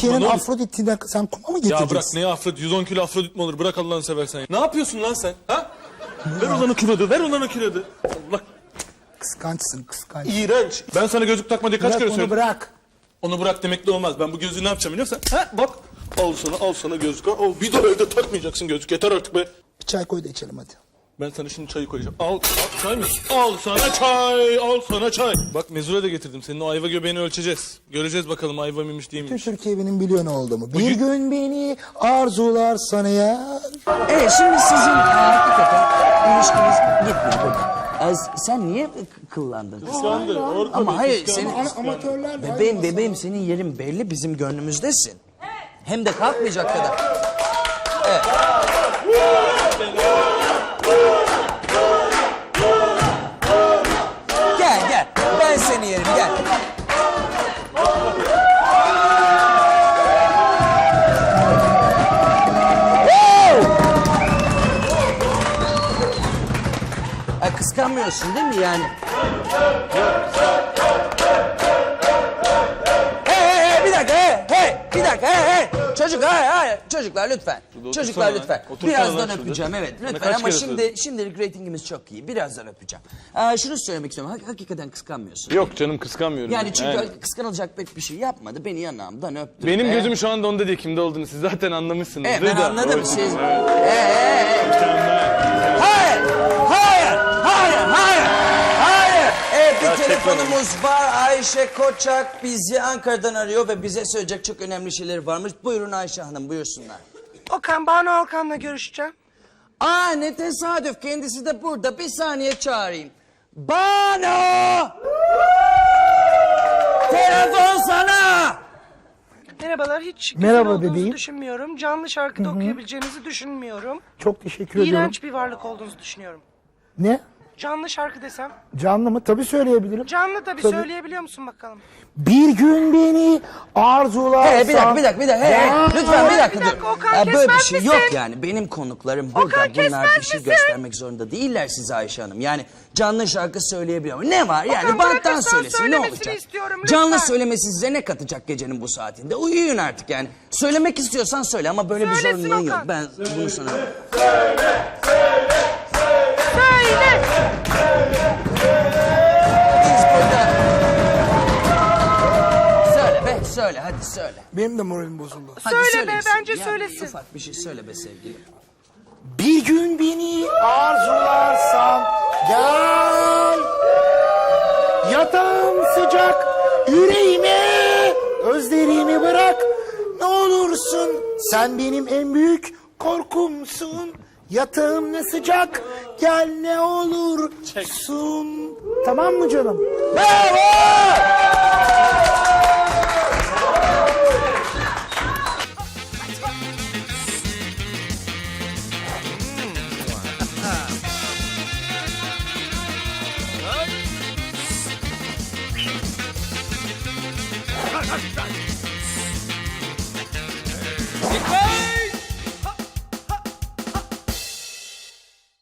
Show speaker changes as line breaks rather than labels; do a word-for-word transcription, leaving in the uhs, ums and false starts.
Türkiye'nin
ne olur.
Afrodit'ine sen kuma mı
Ya
getireceksin?
bırak ne Afrodit? yüz on kilo Afrodit mi olur? Bırak Allah'ını seversen ya. Ne yapıyorsun lan sen? Ha? Ver ulan o kilodu, ver ulan o kilodu. Allah.
Kıskançsın, kıskanç.
İğrenç. Ben sana gözlük takma diye kaç
Bırak
kere
onu,
söyledim.
bırak.
Onu bırak demekle olmaz. Ben bu gözlüğü ne yapacağım biliyor musun? Ha bak. Al sana, al sana gözlük. Al. Bir de evde takmayacaksın gözlük. Yeter artık be.
Bir çay koy da içelim hadi.
Ben sana şimdi çayı koyacağım. Al, al çay mı? Al sana çay, al sana çay. Bak mezura da getirdim. Senin o ayva göbeğini ölçeceğiz. Göreceğiz bakalım ayva mıymış değil
Bütün
miymiş.
Türkiye benim biliyor ne olduğumu. Bir
Bugün-
gün beni arzular sana ya.
Evet şimdi sizin e, hakikaten ilişkiniz gitmiyor burada. E, sen niye k- kıllandın?
Kıskandı. Orkun
Ama hayır
kıskandı.
senin
Ama- amatörler de
bebeğim
aynı
bebeğim senin yerin belli bizim gönlümüzdesin. Hem de kalkmayacak kadar. Evet. Gel gel ben seni yerim gel. Ha, kıskanmıyorsun değil mi yani? Hey hey hey bir dakika hey hey bir dakika hey hey. Çocuk hey hey çocuklar lütfen. Çocuklar
lan.
lütfen.
Otursana
Birazdan
lan şurada.
öpeceğim evet
Sana
lütfen
kaç
ama
kere
şimdi
söyledim?
şimdilik reytingimiz çok iyi. Birazdan öpeceğim. Aa, şunu söylemek istiyorum. Hak- hakikaten kıskanmıyorsun.
Yok canım kıskanmıyorum.
Yani çünkü kıskanılacak pek bir şey yapmadı. Beni yanağımdan öptü.
Benim
Ee,
gözüm şu anda onda değil, kimde olduğunu siz zaten anlamışsınız.
Evet ben
Rıda.
anladım.
O-
Siz...
Evet.
Ee, ee, ee. Hayır! Hayır! Hayır! Hayır! Hayır! Evet bir telefonumuz var. Ayşe Koçak bizi Ankara'dan arıyor ve bize söyleyecek çok önemli şeyleri varmış. Buyurun Ayşe Hanım buyursunlar.
Okan, Banu Alkan'la görüşeceğim.
Aa ne tesadüf kendisi de burada. Bir saniye çağırayım. Banu! Telefon sana!
Merhabalar, hiç
Merhaba
güzel olduğunuzu
bebeğim.
düşünmüyorum. Canlı şarkıda okuyabileceğinizi düşünmüyorum.
Çok teşekkür ediyorum.
İğrenç bir varlık olduğunuzu düşünüyorum.
Ne?
Canlı şarkı desem.
Canlı mı? Tabii söyleyebilirim.
Canlı tabii,
Tabii.
söyleyebiliyor musun bakalım?
Bir gün beni arzularsan...
Hey, bir dakika, bir dakika, bir dakika. Hey, hey,
Ya.
lütfen bir dakika.
Bir dakika,
dur.
Okan,
Ya, böyle bir
kesmez
şey
misin?
yok yani. Benim konuklarım burada.
Okan,
Bunlar
kesmez
bir şey
misin?
göstermek zorunda değiller size Ayşe Hanım. Yani canlı şarkı söyleyebiliyor. Ne var yani
Okan,
banttan
bırakırsan
söylesin ne
söylemesini
olacak?
istiyorum, lütfen.
Canlı söylemesi size ne katacak gecenin bu saatinde? Uyuyun artık yani. Söylemek istiyorsan söyle ama böyle bir
Söylesin
zorunluluğun yok.
Okan.
Ben bunu sana...
Söyle!
Biz burada... Söyle be söyle hadi söyle.
Benim de moralim bozuldu.
Hadi
Söyle
söyle
be,
bir şey.
bence
Yani
söylesin.
Ufak bir şey söyle be sevgilim.
Bir gün beni arzularsan gel. Yatağım sıcak yüreğime özlerimi bırak. Ne olursun sen benim en büyük korkumsun. Yatağım ne sıcak gel ne olursun. Tamam mı canım?
Bravo!